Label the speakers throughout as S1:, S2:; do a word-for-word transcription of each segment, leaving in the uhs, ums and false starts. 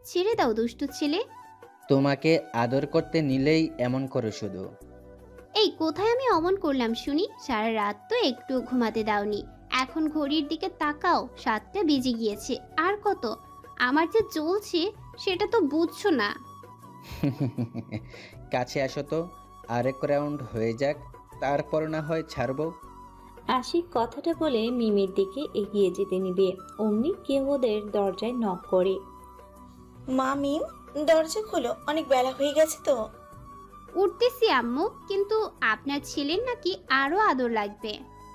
S1: ছেড়ে দাও দুষ্টু ছেলে।
S2: তোমাকে আদর করতে নিলেই এমন করো শুধু।
S1: এই কোথায় আমি অমন করলাম শুনি? সারা রাত তো একটু ঘুমাতে দাওনি। এখন ঘড়ির দিকে তাকাও, সাতটা বেজে গিয়েছে। আর কত আমার যে চলছে সেটা তো বুঝছো না।
S2: কাছে আসো তো, আরেক রাউন্ড হয়ে যাক, তারপর না হয় ছাড়বো।
S3: আশিক কথাটা বলে মিমের দিকে এগিয়ে যেতে নিবে, অমনি কেউ ওদের দরজায় নক করে।
S4: মা মিম, দরজা খোলো, অনেক বেলা হয়ে গেছে তো।
S1: উঠতেছি আম্মু, কিন্তু আপনার ছেলের নাকি আরো আদর লাগবে।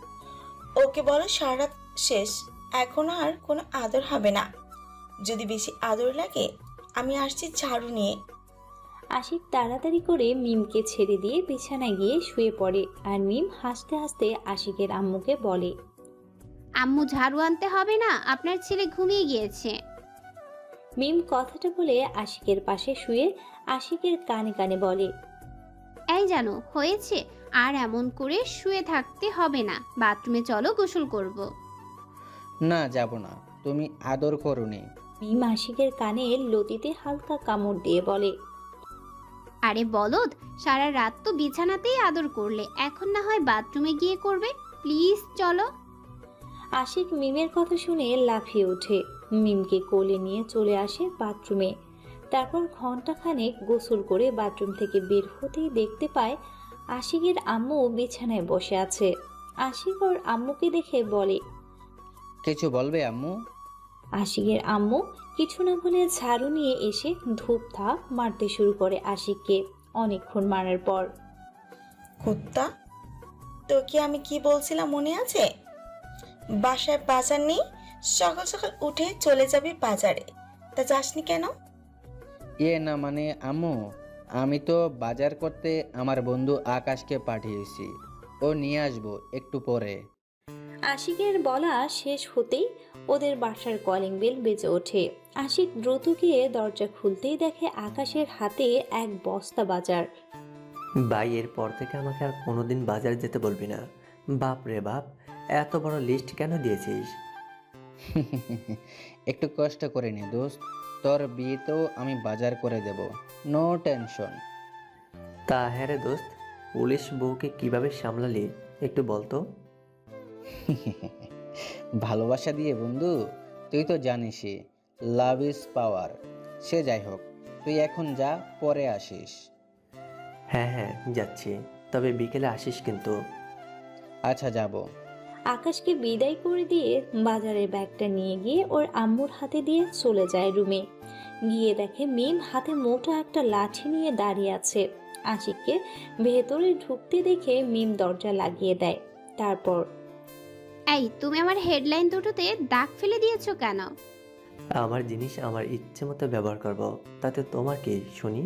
S4: ওকে বলো সারা রাত শেষ, এখন আর কোনো আদর হবে না। যদি বেশি আদর লাগে আমি আসছি ঝাড়ু নিয়ে।
S3: আশিক তাড়াতাড়ি করে মিমকে ছেড়ে দিয়ে বিছানায় গিয়ে শুয়ে পড়ে, আর মিম হাসতে হাসতে আশিকের আম্মুকে বলে।
S1: আম্মু ঝাড়ু আনতে হবে না, আপনার ছেলে ঘুমিয়ে গিয়েছে।
S3: মিম কথাটা বলে আশিকের পাশে শুয়ে আশিকের কানে কানে বলে।
S1: এই জানো হয়েছে, আর এমন করে শুয়ে থাকতে হবে না, বাথরুমে চলো, গোসল করব।
S2: না, যাব না, তুমি আদর করোনি।
S3: মিম আশিকের কানে লতিতে হালকা কামড় দিয়ে বলে।
S1: আরে বলদ, সারা রাত তো বিছানাতেই আদর করলে, এখন না হয় বাথরুমে গিয়ে করবে। প্লিজ চলো।
S3: আশিক মিমের কথা শুনে লাফিয়ে ওঠে, মিমকে কোলে নিয়ে চলে আসে বাথরুমে। তারপর ঘন্টাখানেক গোসল করে বাথরুম থেকে বের হতেই দেখতে পায় আশিকের আম্মু বিছানায় বসে আছে। আশিক ওর আম্মুকে দেখে বলে।
S2: কিছু বলবে আম্মু?
S3: আশিকের আম্মু কিছু না বলে ঝাড়ু নিয়ে এসে ধূপ ধাপ মারতে শুরু করে আশিককে। অনেকক্ষণ মারার পর,
S4: কুত্তা, তোকে আমি কি বলছিলাম মনে আছে? বাসায় বাজার নেই, সকাল সকাল উঠে চলে যাবি বাজারে, তা যাসনি কেন?
S2: ইয়ে না মানে আম্মু, আমি তো বাজার করতে আমার বন্ধু আকাশকে পাঠিয়েছি, ও নিয়ে আসবো একটু পরে।
S3: আশিকের বলা শেষ হতেই ওদের বাসার কলিং বেল বেজে ওঠে। আশিক দ্রুত গিয়ে দরজা খুলতেই দেখে আকাশের হাতে এক বস্তা বাজার।
S5: ভাই, এরপর থেকে আমাকে আর কোনোদিন বাজার যেতে বলবি না। বাপ রে বাপ, এত বড় লিস্ট কেন দিয়েছিস?
S2: একটু কষ্ট করে নে দোস্ত, তোর বিয়েতেও আমি বাজার করে দেব, নো টেনশন।
S5: তা হ্যাঁ রে দোস্ত, পুলিশ বউকে কিভাবে সামলালি একটু বলতো।
S2: ভালোবাসা দিয়ে বন্ধু, তুই তো জানিসই, লাভ ইজ পাওয়ার। সে যাই হোক, তুই এখন যা, পরে আসিস।
S5: হ্যাঁ হ্যাঁ যাচ্ছি, তবে বিকেলে আসিস কিন্তু।
S2: আচ্ছা, যাব।
S3: আকাশকে বিদায় করে দিয়ে বাজারের ব্যাগটা নিয়ে গিয়ে ওর আম্মুর হাতে দিয়ে চলে যায় রুমে। গিয়ে দেখে মিম হাতে মোটা একটা লাঠি নিয়ে দাঁড়িয়ে আছে। আশিককে ভেতরে ঢুকতে দেখে মিম দরজা লাগিয়ে দেয়। তারপর,
S1: এই তুমি আমার হেডলাইন দুটোতে দাগ ফেলে দিয়েছো কেন?
S5: আমার জিনিস আমার ইচ্ছে মতো ব্যবহার করব, তাতে তোমার কি শুনি?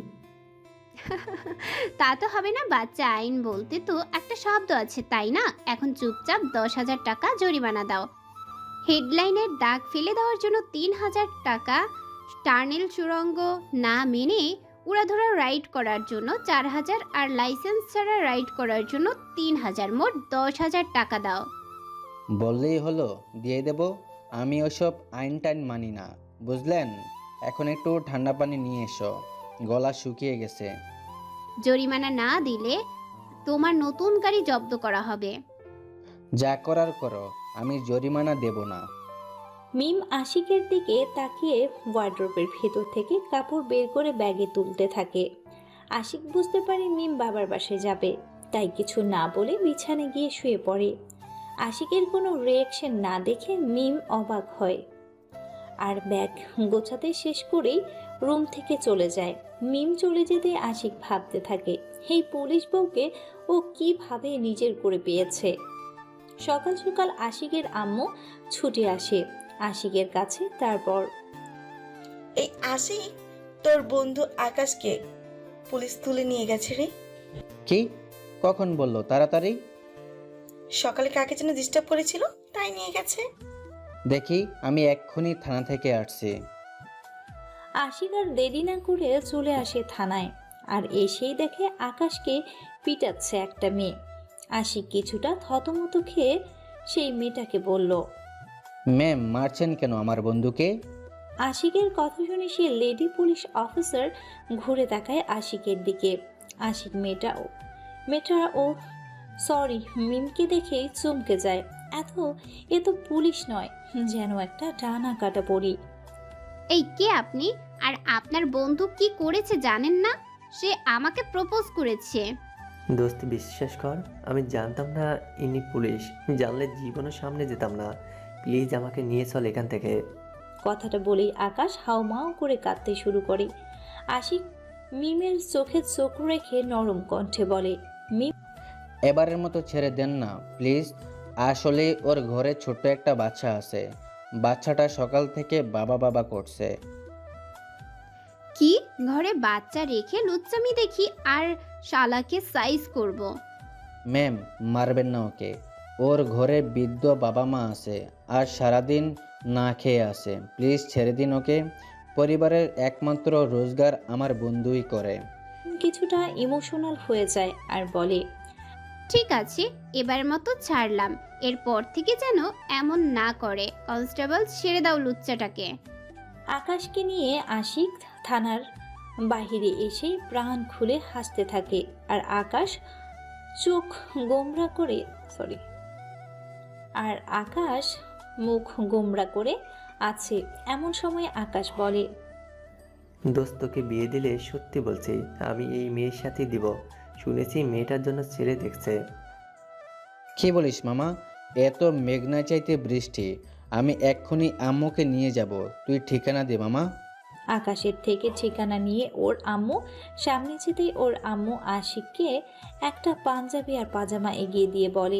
S1: তা তো হবে না, বাচ্চা আইন বলতে তো একটা শব্দ আছে, তাই না? এখন চুপচাপ দশ হাজার টাকা জরিমানা দাও। হেডলাইনের দাগ ফেলে দেওয়ার জন্য তিন হাজার টাকা, টার্নেল সুড়ঙ্গ না মেনে উড়াধুরা রাইড করার জন্য চার হাজার, আর লাইসেন্স ছাড়া রাইড করার জন্য তিন হাজার, মোট দশ হাজার টাকা দাও।
S2: বললেই হলো, দিয়ে দেব। আমি ওসব আইন টাইন মানি না, বুঝলেন? এখন একটু ঠান্ডা পানি নিয়ে এসো, গলা শুকিয়ে গেছে।
S1: জরিমানা না দিলে তোমার নতুন গাড়ি জব্দ করা হবে।
S2: যা করার করো, আমি জরিমানা দেব না।
S3: মিম আশিকের দিকে তাকিয়ে ওয়ার্ড্রোবের ভেতর থেকে কাপড় বের করে ব্যাগে তুলতে থাকে। আশিক বুঝতে পারে মিম বাবার বাসায় যাবে, তাই কিছু না বলে বিছানায় গিয়ে শুয়ে পড়ে। আশিকের কোনো রিয়াকশন না দেখে মিম অবাক হয়, আর ব্যাগ গোছাতে শেষ করেই রুম থেকে চলে যায়। মিম চলে যেতে আশিক ভাবতে থাকে, এই পুলিশ বউকে ও কিভাবে নিজের করে পেয়েছে। সকাল সকাল আশিকের আম্মু ছুটে আসে আশিকের কাছে। তারপর,
S4: এই আসি, তোর বন্ধু আকাশকে পুলিশ তুলে নিয়ে গেছে রে।
S2: কি? কখন বললো? তাড়াতাড়ি।
S4: সকালে কাকে যেন ডিস্টার্ব করেছিল, তাই নিয়ে গেছে।
S2: দেখি, আমি এক্ষুনি থানা থেকে আসছি।
S3: আশিক আর দেরি না করে চলে আসে থানায়, আর এসেই দেখে আকাশকে পিটাচ্ছে একটা মেয়ে। আশিক কিছুটা থতমত খেয়ে সেই মেয়েটাকে বলল।
S2: ম্যাম, মারছেন কেন আমার বন্ধুকে?
S3: আশিকের কথা শুনে সে লেডি পুলিশ অফিসার ঘুরে তাকায় আশিকের দিকে। আশিক মেয়েটা ও মেয়েটা ও সরি মিমকে দেখেই চমকে যায়। এত এ তো পুলিশ নয়, যেন একটা ডানা কাটা পড়ি।
S1: এই কে আপনি? আর আপনার বন্ধু কি করেছে জানেন না? সে আমাকে প্রপোজ করেছে।
S5: দোস্ত বিশ্বাস কর, আমি জানতাম না ইনি পুলিশ। জানলে জীবনের সামনে যেতাম না। প্লিজ আমাকে নিয়ে চল এখান থেকে।
S3: কথাটা বলেই আকাশ হাউমাউ করে কাঁদতে শুরু করে। আশিক মিমের চোখে চোখ রেখে নরম কণ্ঠে বলে, মিম
S2: এবারের মতো ছেড়ে দেন না প্লিজ। আসলে ওর ঘরে ছোট্ট একটা বাচ্চা আছে। বাচ্চাটা সকাল থেকে বাবা বাবা করছে।
S1: কি ঘরে বাচ্চা রেখে লুচ্চামি দেখি আর শালাকে সাইজ করব।
S2: ম্যাম, মারবেন না ওকে। ওর ঘরে বৃদ্ধ বাবা মা আছে আর সারাদিন না খেয়ে আছে। প্লিজ ছেড়ে দিন ওকে। পরিবারের একমাত্র রোজগার আমার বন্ধুই করে।
S3: কিছুটা ইমোশনাল হয়ে যায় আর বলে,
S1: ঠিক আছে, এবার মতো ছাড়লাম। এরপর থেকে যেন এমন না করে। কনস্টেবল, ছেড়ে দাও লুচ্চাটাকে।
S3: আকাশকে নিয়ে আশিক থানার বাহিরে এসে প্রাণ খুলে হাসতে থাকে। আর আকাশ চোখ গোমরা করে সরি আর আকাশ মুখ গোমরা করে আছে। এমন সময় আকাশ বলে,
S5: দোস্ত তোকে বিয়ে দিলে সত্যি বলছি আমি এই মেয়ের সাথেই দিব। শুনেছি মেয়েটার জন্য ছেলে দেখছে।
S2: কি বলিস মামা? এত মেঘনা চাইতে বৃষ্টি। আমি এক্ষুনি আম্মুকে নিয়ে যাব। তুই ঠিকানা দে মামা।
S3: আকাশের থেকে ঠিকানা নিয়ে ওর আম্মু সামনে যেতেই ওর আম্মু আশিককে একটা পাঞ্জাবি আর পাজামা এগিয়ে দিয়ে বলে,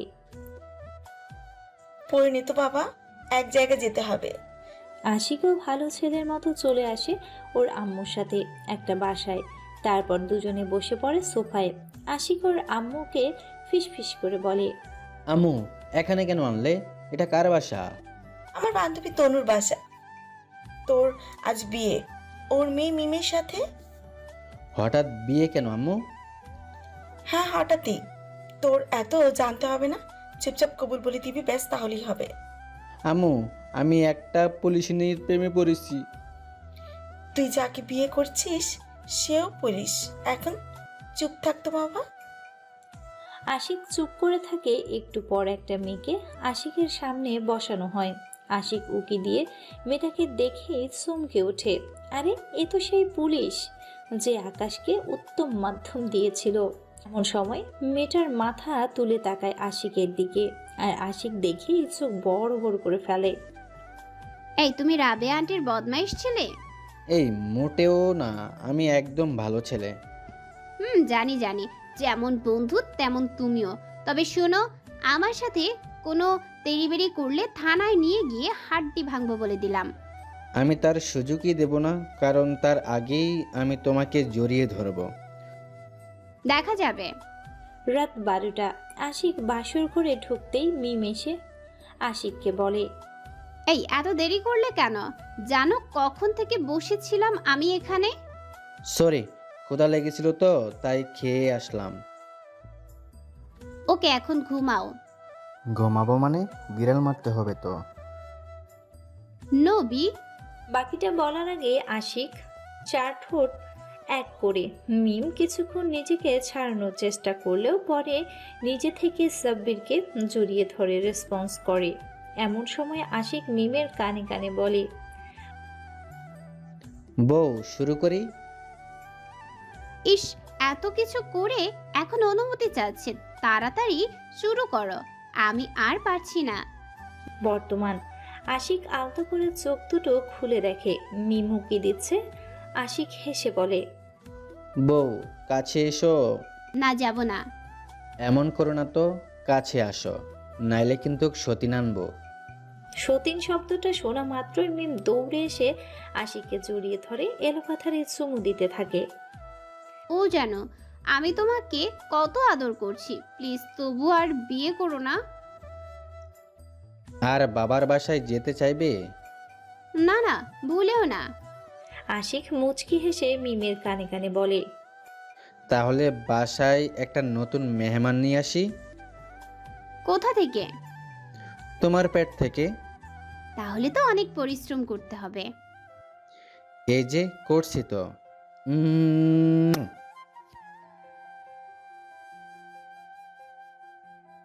S4: পরিণীত বাবা, এক জায়গায় যেতে হবে।
S3: আশিকও ভালো ছেলের মতো চলে আসে ওর আম্মুর সাথে একটা বাসায়। তারপর দুজনে বসে পড়ে সোফায়। আশিক ওর আম্মুকে ফিসফিস করে বলে,
S2: আম্মু, এখানে কেন আনলে? এটা কার বাসা?
S4: আমার বান্ধবী তনুর বাসা। তোর আজ বিয়ে ওর মেয়ে মিমের সাথে।
S2: হঠাৎ বিয়ে কেন আম্মু?
S4: হ্যাঁ, হঠাৎই। তোর এত জানতে হবে না, চুপচাপ কবুল বলে দিবি, ব্যাস তাহলেই হবে।
S2: আম্মু, আমি একটা পুলিশিনীর প্রেমে পড়েছি।
S4: তুই যাকে বিয়ে করছিস সেও পুলিশ। এখন চুপ থাকতো বাবা।
S3: আশিক চুপ করে থাকে। একটু পর একটা মেয়েকে আশিকের সামনে বসানো হয়। আশিক উকি দিয়ে মেয়েটাকে দেখে চমকে ওঠে। আরে এ তো সেই পুলিশ যে আকাশকে উত্তম মাধ্যম দিয়েছিল। এমন সময় মেয়েটার মাথা তুলে তাকায় আশিকের দিকে আর আশিক দেখেই চোখ বড় বড় করে ফেলে।
S1: এই তুমি রাবেয়া আন্টির বদমাইশ ছেলে?
S2: এই মোটেও না, আমি একদম ভালো ছেলে।
S1: হুম, জানি জানি, যেমন বন্ধু তেমন তুমিও। তবে শোনো, আমার সাথে কোনো তেড়িবেড়ি করলে থানায় নিয়ে গিয়ে হাড্ডি ভাঙবো বলে দিলাম।
S2: আমি তার সুযোগই দেব না, কারণ তার আগেই আমি তোমাকে জড়িয়ে ধরব।
S1: দেখা যাবে।
S3: রাত বারোটা। আশিক বাসর ঘরে ঢুকতেই মিম এসে আশিককে বলে,
S1: এই এত দেরি করলে কেন? জানো কখন থেকে বসেছিলাম আমি এখানে?
S2: সরি, ক্ষুধা লেগেছিল তো তাই খেয়ে আসলাম।
S1: ওকে, এখন ঘুমাও।
S2: ঘুমাবো মানে? বিড়াল মারতে হবে তো।
S1: নবী।
S3: বাকিটা বলার আগে আশিক চার ঠোঁট এক করে মিম কিছুক্ষণ নিজেকে ছাড়ানোর চেষ্টা করলেও পরে নিজে থেকে সাব্বিরকে জড়িয়ে ধরে রেসপন্স করে। এমন সময় আশিক মিমের কানে কানে বলে,
S2: বউ, শুরু করি?
S1: ইস, এত কিছু করে এখন অনুমতি চাচ্ছে। তাড়াতাড়ি শুরু করো, আমি আর পারছি না।
S3: বর্তমান আশিক আলতো করে চোখ দুটো খুলে দেখে মিম হুকি দিচ্ছে। আশিক হেসে বলে,
S2: বউ, কাছে এসো।
S1: না, যাব না।
S2: এমন করো না তো, কাছে আসো, নাইলে কিন্তু সতীন আনবো।
S3: সতীন শব্দটা শোনা মাত্রই মিম দৌড়ে এসে আশিককে জড়িয়ে ধরে এলোপাথারি চুমু দিতে থাকে।
S1: ও জানো আমি তোমাকে কত আদর করছি। প্লিজ তবু আর বিয়ে করো না।
S2: আর বাবার বাসায় যেতে চাইবে?
S1: না না, ভুলেও না।
S3: আশিক মুচকি হেসে মিমের কানে কানে বলে,
S2: তাহলে বাসায় একটা নতুন মেহমান নিয়ে আসি।
S1: কোথা থেকে?
S2: তোমার পেট থেকে।
S1: তাহলে তো অনেক পরিশ্রম করতে হবে।
S2: এই যে করছি তো। উম,